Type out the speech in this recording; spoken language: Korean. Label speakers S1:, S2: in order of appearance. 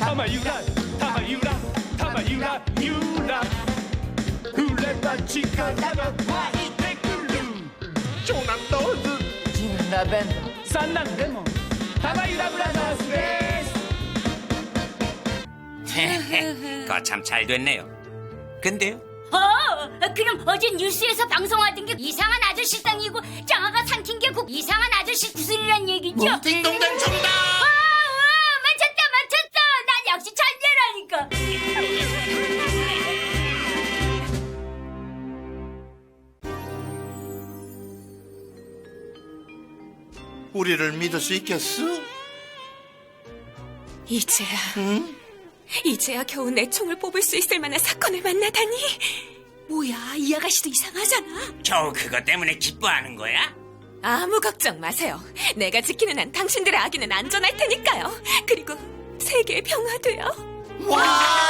S1: 타마유라 타마유라 타마유라 유라 훌레바치카 나가 와이테쿨루 조남도즈
S2: 진라벤
S1: 산난데모 타마유라 브라더스 데스
S3: 그거 참 잘 됐네요. 근데요?
S4: 그럼 어제 뉴스에서 방송하던 게 이상한 아저씨 땅이고 장아가 삼킨 게 그 이상한 아저씨 구슬이란 얘기죠?
S3: 딩동댕 정답!
S4: 맞췄다. 난 역시 천재라니까.
S5: 우리를 믿을 수 있겠어?
S6: 이제야, 이제야 겨우 내 총을 뽑을 수 있을 만한 사건을 만나다니. 뭐야, 이 아가씨도 이상하잖아.
S3: 겨우 그것 때문에 기뻐하는 거야?
S6: 아무 걱정 마세요. 내가 지키는 한 당신들의 아기는 안전할 테니까요. 그리고 세계의 평화도요.
S5: 와!